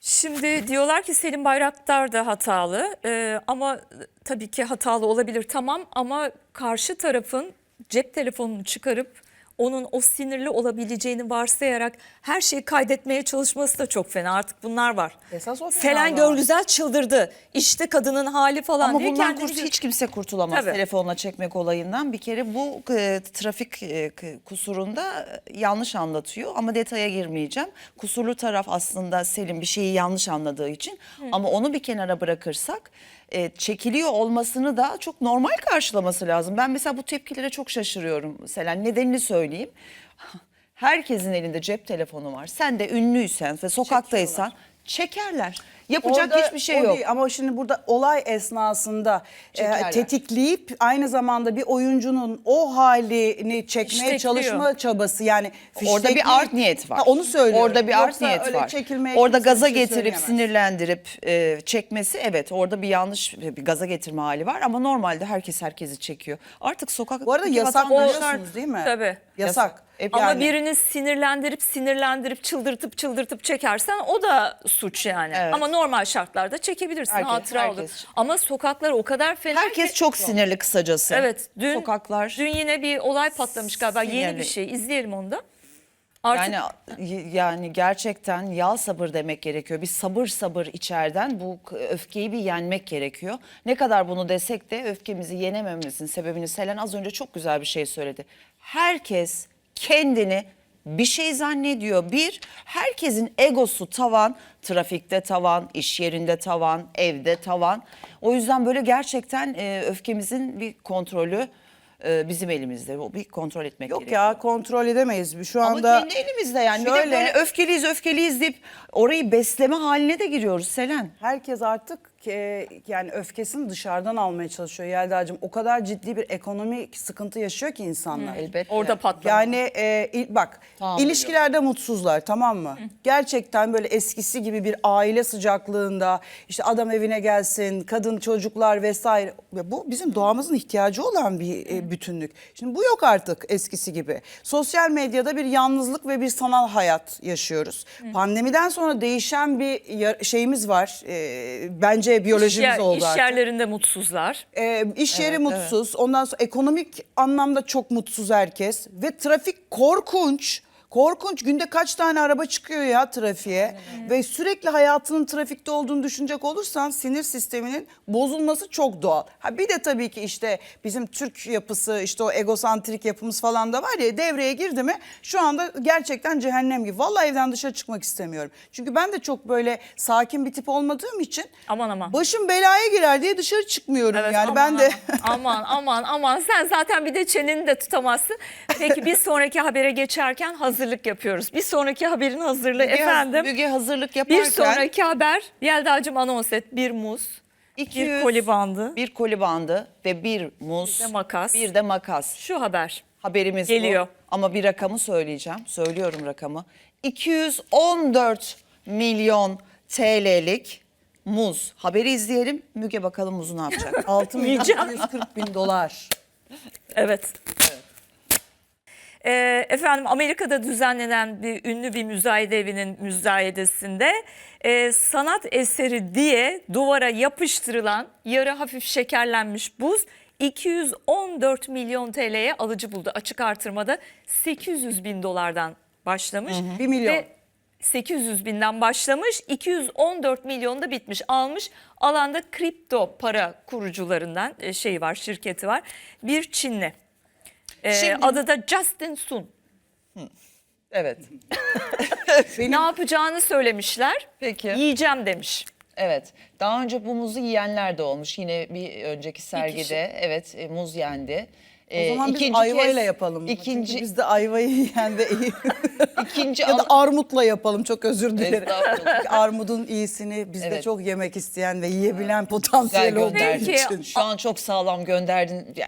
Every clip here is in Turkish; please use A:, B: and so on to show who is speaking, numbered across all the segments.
A: Şimdi diyorlar ki Selim Bayraktar da hatalı ama tabii ki hatalı olabilir tamam ama karşı tarafın cep telefonunu çıkarıp onun o sinirli olabileceğini varsayarak her şeyi kaydetmeye çalışması da çok fena. Artık bunlar var.
B: Esas o
A: Selen
B: fena var.
A: Görgüzel çıldırdı. İşte kadının hali falan
C: Ama
A: diye
C: bundan
A: kendini
C: hiç kimse kurtulamaz
A: Tabii.
C: telefonla çekmek olayından. Bir kere bu trafik kusurunda yanlış anlatıyor ama detaya girmeyeceğim. Kusurlu taraf aslında Selim bir şeyi yanlış anladığı için ama onu bir kenara bırakırsak çekiliyor olmasını da çok normal karşılaması lazım. Ben mesela bu tepkilere çok şaşırıyorum Selen. Nedenini söyleyeyim. Herkesin elinde cep telefonu var. Sen de ünlüysen ve sokaktaysan çekerler. Yapacak
B: Orada
C: hiçbir şey
B: o
C: yok.
B: değil. Ama şimdi burada olay esnasında
C: Çekerler.
B: tetikleyip aynı zamanda bir oyuncunun o halini çekmeye
A: İştekliyor.
B: çalışma çabası yani
C: Orada bir
B: fiştekleyip-
C: art niyet var.
B: Ha, onu söylüyorum.
C: Orada bir art
B: Yoksa
C: niyet
B: öyle
C: var.
B: çekilmeye
C: Orada
B: kimse
C: gaza
B: bir şey
C: getirip
B: söyleyemez.
C: sinirlendirip çekmesi evet orada bir yanlış bir gaza getirme hali var ama normalde herkes herkesi çekiyor. Artık sokak
B: Bu arada yasak biliyorsunuz değil mi?
A: Tabii.
B: Yasak.
C: Hep
A: Ama
C: yani.
A: birini sinirlendirip çıldırtıp çekersen o da suç yani.
C: Evet.
A: Ama normal şartlarda çekebilirsin, hatıra olur.
C: herkes.
A: Ama sokaklar o kadar fena
C: Herkes
A: ki.
C: çok sinirli kısacası.
A: Evet,
C: Sokaklar.
A: dün yine bir olay patlamış galiba. Yeni
C: Sinirli.
A: bir şey. İzleyelim onu da. Artık
C: Yani gerçekten yal sabır demek gerekiyor. Bir sabır içeriden bu öfkeyi bir yenmek gerekiyor. Ne kadar bunu desek de öfkemizi yenemememizin sebebini Selen az önce çok güzel bir şey söyledi. Herkes kendini bir şey zannediyor. Herkesin egosu tavan, trafikte tavan, iş yerinde tavan, evde tavan. O yüzden böyle gerçekten öfkemizin bir kontrolü bizim elimizde. O bir kontrol etmek
B: Yok
C: gerekiyor.
B: ya kontrol edemeyiz. Şu
C: Ama
B: anda
C: kendi elimizde yani. Bir de
B: şöyle-
C: böyle öfkeliyiz deyip orayı besleme haline de giriyoruz Selen.
B: herkes artık yani öfkesini dışarıdan almaya çalışıyor Yelda'cığım. O kadar ciddi bir ekonomik sıkıntı yaşıyor ki insanlar.
C: Elbette.
A: orada patlama.
B: Yani bak
C: Tahammül
B: ilişkilerde mutsuzlar tamam mı? Gerçekten böyle eskisi gibi bir aile sıcaklığında işte adam evine gelsin, kadın çocuklar vesaire. Ya bu bizim doğamızın ihtiyacı olan bir bütünlük. Şimdi bu yok artık eskisi gibi. Sosyal medyada bir yalnızlık ve bir sanal hayat yaşıyoruz. Pandemiden sonra değişen bir şeyimiz var. Bence biyolojimiz oldu
A: İş
B: artık.
A: yerlerinde mutsuzlar.
B: İş yeri mutsuz. Ondan sonra ekonomik anlamda çok mutsuz herkes. Ve trafik korkunç. Korkunç. Günde kaç tane araba çıkıyor ya trafiğe. Ve sürekli hayatının trafikte olduğunu düşünecek olursan sinir sisteminin bozulması çok doğal. Ha bir de tabii ki işte bizim Türk yapısı işte o egosantrik yapımız falan da var ya devreye girdi mi şu anda gerçekten cehennem gibi. Vallahi evden dışarı çıkmak istemiyorum. Çünkü ben de çok böyle sakin bir tip olmadığım için
A: Aman.
B: başım belaya girer diye dışarı çıkmıyorum
A: Evet,
B: yani
A: aman,
B: ben de.
A: aman sen zaten bir de çeneni de tutamazsın. Peki bir sonraki habere geçerken hazırlık yapıyoruz. Bir sonraki haberin hazırlığı efendim.
C: Müge hazırlık yaparken
A: Bir sonraki haber Yelda'cığım anons et. Bir muz,
C: 200,
A: bir koli bandı,
C: bir koli bandı ve bir muz,
A: Bir de makas.
C: bir de makas.
A: şu haber.
C: Haberimiz
A: Geliyor.
C: bu. Ama bir rakamı söyleyeceğim. Söylüyorum rakamı. 214 milyon TL'lik muz. Haberi izleyelim. Müge bakalım muzu ne yapacak?
B: 6 milyon
A: Yiyeceğim.
B: 140 bin dolar.
A: Evet. Efendim Amerika'da düzenlenen ünlü bir müzayede evinin müzayedesinde sanat eseri diye duvara yapıştırılan yarı hafif şekerlenmiş buz 214 milyon TL'ye alıcı buldu. Açık artırmada 800 bin dolardan başlamış.
B: 1 milyon.
A: Ve 800 binden başlamış 214 milyonda bitmiş almış alanda kripto para kurucularından şirketi var bir Çinli.
C: Şimdi-
A: Adı da Justin Sun.
C: Evet.
A: Ne yapacağını söylemişler.
C: Peki.
A: Yiyeceğim demiş.
C: Evet. Daha önce bu muzu yiyenler de olmuş. Yine bir önceki sergide evet muz yendi.
B: O zaman biz
C: İkinci
B: ayvayla
C: kez-
B: yapalım.
C: İkinci,
B: Çünkü biz de ayvayı yiyen ve iyi.
C: ikinci
B: ya da
C: ana-
B: armutla yapalım çok özür dilerim.
C: Estağfurullah.
B: Çünkü armudun iyisini bizde
C: Evet.
B: çok yemek isteyen ve yiyebilen
C: Güzel
B: potansiyel olduğu
C: gönderdin.
A: Peki.
B: için.
C: Şu an çok sağlam gönderdin. Ya,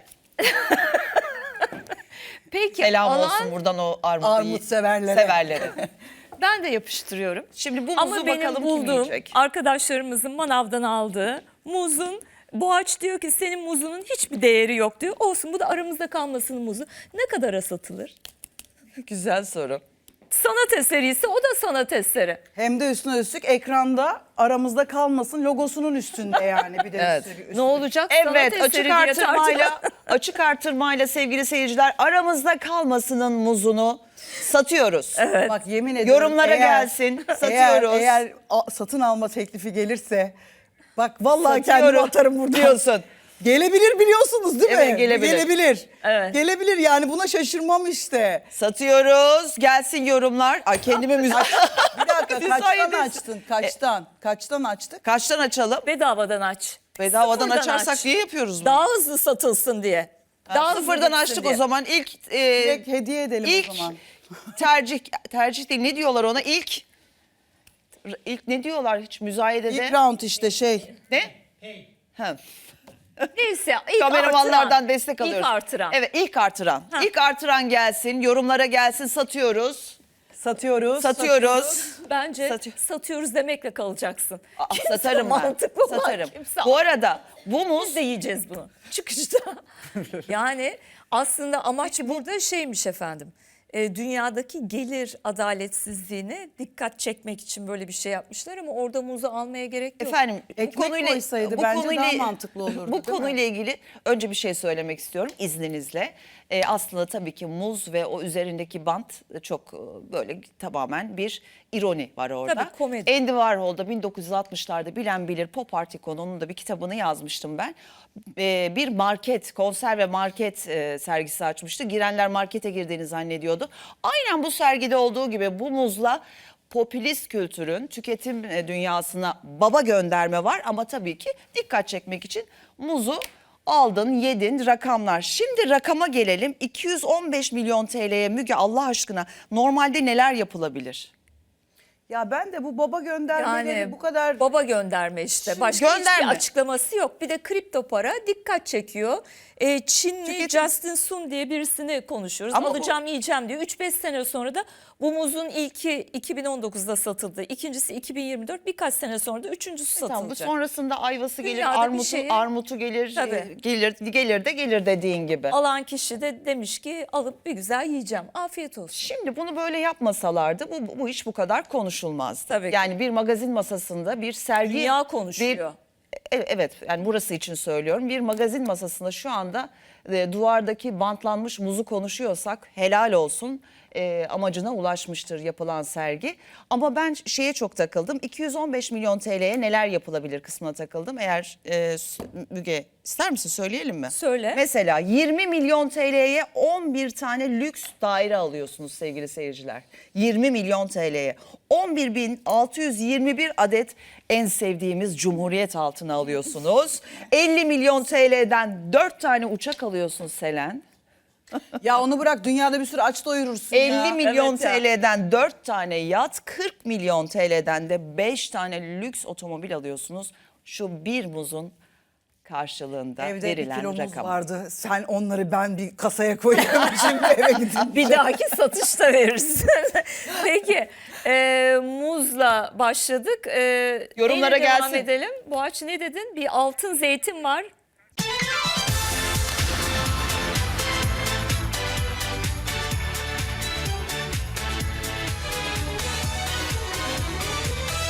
A: Peki
C: selam
A: alan
C: olsun buradan o
B: Armut severlere.
C: severlere.
A: ben de yapıştırıyorum.
C: Şimdi bu muzu
A: Ama benim
C: bakalım kim
A: bulduğum
C: yiyecek?
A: arkadaşlarımızın manavdan aldığı muzun Boğaç diyor ki senin muzunun hiçbir değeri yok diyor. Olsun bu da aramızda kalmasın muzu. Ne kadara satılır?
C: Güzel soru.
A: sanat eseri ise o da sanat eseri.
B: Hem de üstüne üstlük ekranda aramızda kalmasın logosunun üstünde yani bir de
C: Evet.
B: üstü.
A: Ne olacak?
C: Evet,
A: Sanat eseri
C: açık
A: diye
C: artırmayla açık artırmayla sevgili seyirciler, aramızda kalmasının muzunu satıyoruz.
B: Bak yemin ediyorum.
C: Yorumlara gelsin, satıyoruz.
B: Eğer satın alma teklifi gelirse bak vallahi
C: Satıyorum
B: kendimi atarım buradan.
C: diyorsun.
B: Gelebilir biliyorsunuz değil mi?
C: Evet, gelebilir.
B: Gelebilir.
A: Evet.
B: Gelebilir yani buna şaşırmam işte.
C: Satıyoruz. Gelsin yorumlar. Ay kendime
B: Bir dakika kaçtan
C: Müsaade-
B: açtın? Kaçtan? Kaçtan açtık?
C: Kaçtan açalım?
A: Bedavadan aç.
C: Bedavadan
A: Sıfırdan
C: açarsak
A: aç.
C: niye yapıyoruz bunu?
A: Daha hızlı satılsın diye. Daha hızlı
C: Sıfırdan
A: gitsin
C: açtık
A: diye.
C: o zaman. İlk
B: Direkt hediye edelim
C: ilk
B: o zaman.
C: tercih değil, ne diyorlar ona? İlk ne diyorlar hiç müzayedede?
B: İlk round işte şey.
C: Ne? Ha.
A: Neyse ilk
C: Kameramanlardan
A: artıran.
C: destek alıyoruz.
A: İlk artıran.
C: Evet, ilk artıran.
A: Ha.
C: İlk artıran gelsin, yorumlara gelsin, satıyoruz.
B: Satıyoruz.
C: Satıyoruz.
A: Bence
C: Satıyor.
A: satıyoruz demekle kalacaksın.
C: Aa,
A: Kimse
C: satarım ben.
A: mantıklı olan
C: Satarım.
A: kimse
C: Bu arada bu muz
A: biz de yiyeceğiz bunu çıkışta. Yani aslında amaç burada şeymiş efendim. Dünyadaki gelir adaletsizliğine dikkat çekmek için böyle bir şey yapmışlar ama orada muzu almaya gerek yok.
C: efendim
B: Ekmek koysaydı bence daha mantıklı olurdu,
C: Bu
B: değil mi?
C: konuyla ilgili önce bir şey söylemek istiyorum izninizle. Aslında tabii ki muz ve o üzerindeki bant çok böyle tamamen bir ironi var orada.
A: Tabii, komedi.
C: Andy Warhol'da 1960'larda bilen bilir Pop Art ikonu, onun da bir kitabını yazmıştım ben. Bir market, konserve market sergisi açmıştı. Girenler markete girdiğini zannediyordu. Aynen bu sergide olduğu gibi bu muzla popülist kültürün tüketim dünyasına baba gönderme var ama tabii ki dikkat çekmek için muzu aldın, yedin, rakamlar. Şimdi rakama gelelim. 215 milyon TL'ye Müge, Allah aşkına normalde neler yapılabilir?
B: Ya ben de bu baba göndermeleri bu kadar
A: baba gönderme işte. Başka hiçbir
C: gönderme.
A: açıklaması yok. Bir de kripto para dikkat çekiyor. Çinli Justin Sun diye birisini konuşuyoruz.
C: Ama
A: alacağım yiyeceğim diyor. 3-5 sene sonra da bu muzun ilki 2019'da satıldı. İkincisi 2024, birkaç sene sonra da üçüncüsü
C: Tamam, bu
A: satılacak.
C: sonrasında ayvası gelir,
A: Dünyada bir şeye-
C: armutu gelir,
A: Tabii.
C: gelir dediğin gibi.
A: Alan kişi de demiş ki alıp bir güzel yiyeceğim. Afiyet olsun.
C: Şimdi bunu böyle yapmasalardı bu iş bu kadar konuşulmazdı.
A: Tabii ki.
C: Yani bir magazin masasında bir sergi...
A: Dünya konuşuyor.
C: Evet, yani burası için söylüyorum. Bir magazin masasında şu anda duvardaki bantlanmış muzu konuşuyorsak helal olsun, amacına ulaşmıştır yapılan sergi. Ama ben şeye çok takıldım. 215 milyon TL'ye neler yapılabilir kısmına takıldım. Eğer Müge ister misin söyleyelim mi?
A: Söyle.
C: Mesela 20 milyon TL'ye 11 tane lüks daire alıyorsunuz sevgili seyirciler. 20 milyon TL'ye 11.621 adet en sevdiğimiz Cumhuriyet altını alıyorsunuz. 50 milyon TL'den 4 tane uçak alıyorsun Selen.
B: ya onu bırak dünyada bir sürü aç doyurursun
C: 50
B: ya.
C: milyon
A: Evet ya.
C: TL'den 4 tane yat, 40 milyon TL'den de 5 tane lüks otomobil alıyorsunuz. Şu bir muzun karşılığında
B: Evde bir
C: verilen
B: kilomuz
C: rakam.
B: vardı. Sen onları ben bir kasaya koyuyorum şimdi eve gidin.
A: Bir dahaki satışta verirsin. Peki muzla başladık.
C: Yorumlara
A: neyle devam
C: gelsin.
A: edelim. Boğaç ne dedin? Bir altın zeytin var.